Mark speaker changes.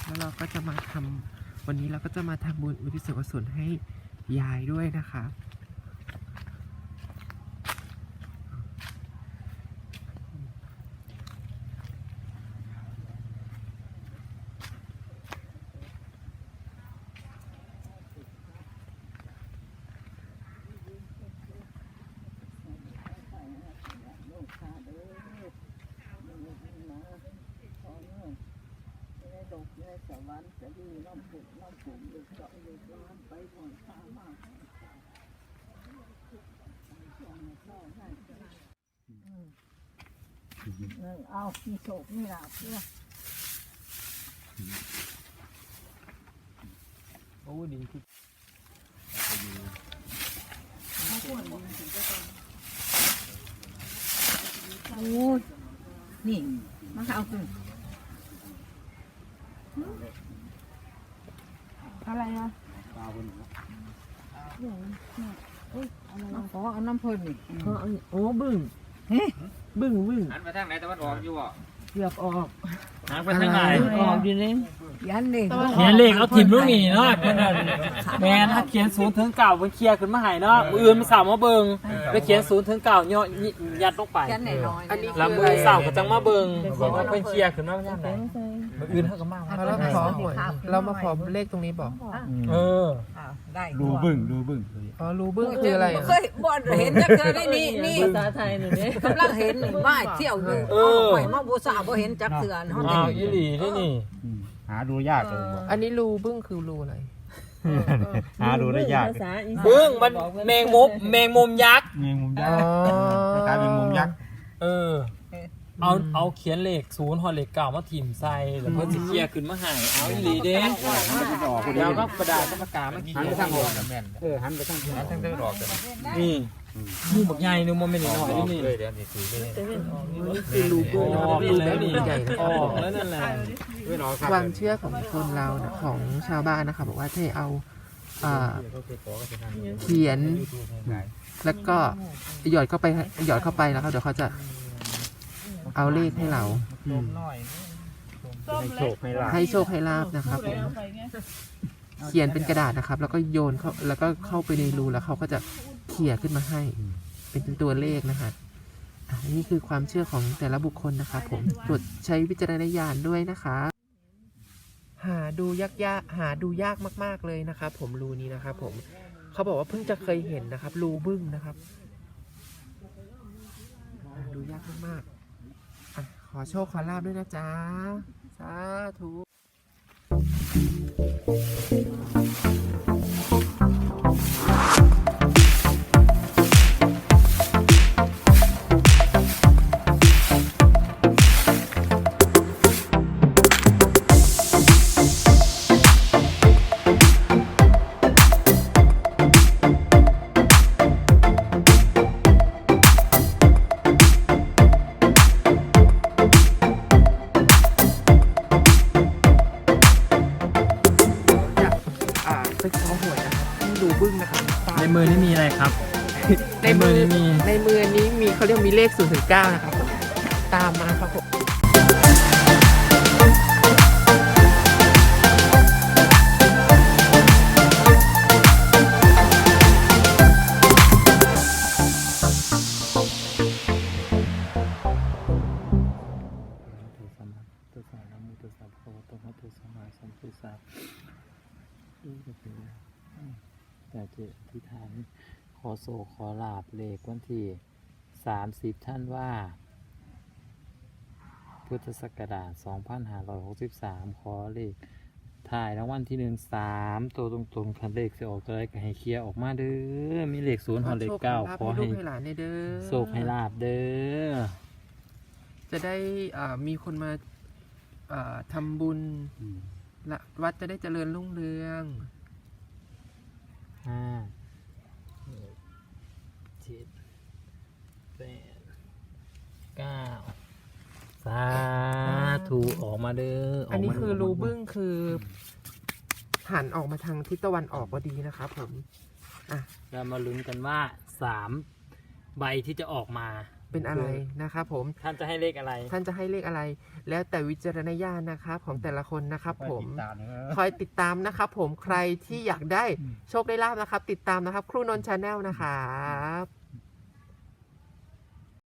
Speaker 1: แล้วเราก็จะมาทำวันนี้เราก็จะมาทำบุญอุทิศส่วนกุศลให้ยายด้วยนะคะ
Speaker 2: สวรรค์จะดีน้ำผุดน้ำผุดลูกเจาะลูกล้านไปหมดข้ามากเอามีโศกมีลาภเพื่อ
Speaker 3: โอ้ดินคือ
Speaker 2: โอ้ยนี่มาเอาตึงอะไรอ่ะปลาบนมาขอเอาน้ำเพลินนี่
Speaker 1: โอ้บึ้งบึ้ง
Speaker 3: หันไปทางไหนตะวันออกอยู่อ่ะ
Speaker 2: เกือบออก
Speaker 3: หันไปทางไหน
Speaker 2: ออกอยู่นี่ยันเลย
Speaker 3: เขียนเลขเอาถิ่มลูกนี่เนาะเพื่อนแม่ถ้าเขียน0 ถึง 9เพิ่นเคลียร์ขึ้นมาให้เนาะมืออื่นมันสาวมาเบิ่งไปเขียน0 ถึง 9ย่อยัดลงไป
Speaker 2: ยันน้อย
Speaker 1: อันนี้
Speaker 3: แล้วมือสาวก็จังมาเบิ่งว่าเพิ่นเคลียร์ขึ้นมาย่ามใดมืออื่นเฮาก็มา
Speaker 1: เราขอหวยเรามาขอเลขตรงนี้บอก
Speaker 3: เออ
Speaker 2: ได้
Speaker 4: รูบึ้ง
Speaker 1: อ๋อรูบึ้งคืออะไร
Speaker 2: เคยบ่เห็นจักเจอได้นี่ภาษาไทยนี่กำลังเห็นบ้าเที่ยวอยู่ไปมาบูชาบ่เห็นจักเถื่อนเฮา
Speaker 3: อ้าวอีหลีนี่
Speaker 4: หาดูยากเลย
Speaker 1: อันนี้รูบึ้งคือรูอะไร
Speaker 4: หาดูได้ยาก
Speaker 3: เบิ่งมันแมงมุมยักษ์
Speaker 4: แมงมุมยักษ์กลายเป็นมุมยักษ์
Speaker 3: เออเอาเขียนเลข0ฮอดเลข9มาถิ่มใส่แล้วเพิ่นสิเคลียร์ขึ้นมาให้เอาอีหลีเด้เดี๋ยวก็กระดาษกับปากกามาเขี
Speaker 4: หัน
Speaker 3: ย
Speaker 4: ไป
Speaker 3: น
Speaker 4: ทางออกแม่นหันไปทางดอก
Speaker 3: นี่มูบักใหญ่นึงมันไม่น้อยนี่
Speaker 4: เลยเดี๋ยวนี่ถือเลย
Speaker 1: คือรูบึ้ง
Speaker 3: ออก
Speaker 1: รู
Speaker 3: แล้ว
Speaker 1: แบบ
Speaker 3: นี่
Speaker 1: ใหญ่นะ
Speaker 3: อ
Speaker 1: ครับ
Speaker 3: อกแล้วนั่นแหละ
Speaker 1: ความเชื่อของคนเรานะของชาวบ้านนะคะบอกว่าให้เอาเขียนแล้วก็หยอดเข้าไปนะครับเดี๋ยวเขาจะเอาเลขให้เรา
Speaker 4: ให้โชคให้ลาภ
Speaker 1: ให้โชคให้ลาบนะครับผมเขียนเป็นกระดาษนะครับ แล้วก็โยนเข้าแล้วก็เข้าไปในรูแล้วเขาก็จะเขี่ยขึ้นมาให้ เป็นตัวเลขนะคะอันนี้คือความเชื่อของแต่ละบุคคลนะครับผมโปรดใช้วิจารณญาณด้วยนะคะหาดูยากมากๆเลยนะครับผมรูนี้นะครับผมเขาบอกว่าเพิ่งจะเคยเห็นนะครับรูบึ้งนะครับหาดูยากมากๆขอโชคขอลาบด้วยนะจ๊ะสาธุไปขอหวยนะครับที่รูบึ้งนะครับ
Speaker 3: ในมือนี่มีอะไรครับ
Speaker 1: ในมือนี้มีเขาเรียกมีเลข0 ถึง 9นะครับผมตามมาครับผม
Speaker 3: แต่เจที่ฐานขอโศกขอลาบเลขวันที่30ท่านว่าพุทธศักราช2563ขอเลขถ่ายรางวัลที่1 3ตัวตรงๆคันเลขสิออกตัวใดก็ให้เคลียร์ออกมาเด้อมีเลข0ฮอดเลข9ขอให้
Speaker 1: ให้หลานเด้อ
Speaker 3: โศกให้ลาบเด้อ
Speaker 1: จะได้มีคนมาทำบุญและวัดจะได้เจริญรุ่งเรือง
Speaker 3: 5 7 8 9สาธุออกมาเด้อ
Speaker 1: อันนี้คือรูบึ้งคือหันออกมาทางทิศตะวันออกพอดีนะครับผม
Speaker 3: เรามาลุ้นกันว่า3ใบที่จะออกมา
Speaker 1: เป็นอะไรนะครับผม
Speaker 3: ท่านจะให้เลขอะไร
Speaker 1: ท่านจะให้เลขอะไร แล้วแต่วิจารณญาณนะครับของแต่ละคนนะครับผม
Speaker 4: ติดตามนะ
Speaker 1: คอยติดตามนะครับผมใครที่อยากได้โชคได้ลาบนะครับ ติดตามนะครับครูนนท์ชาแนลนะครับ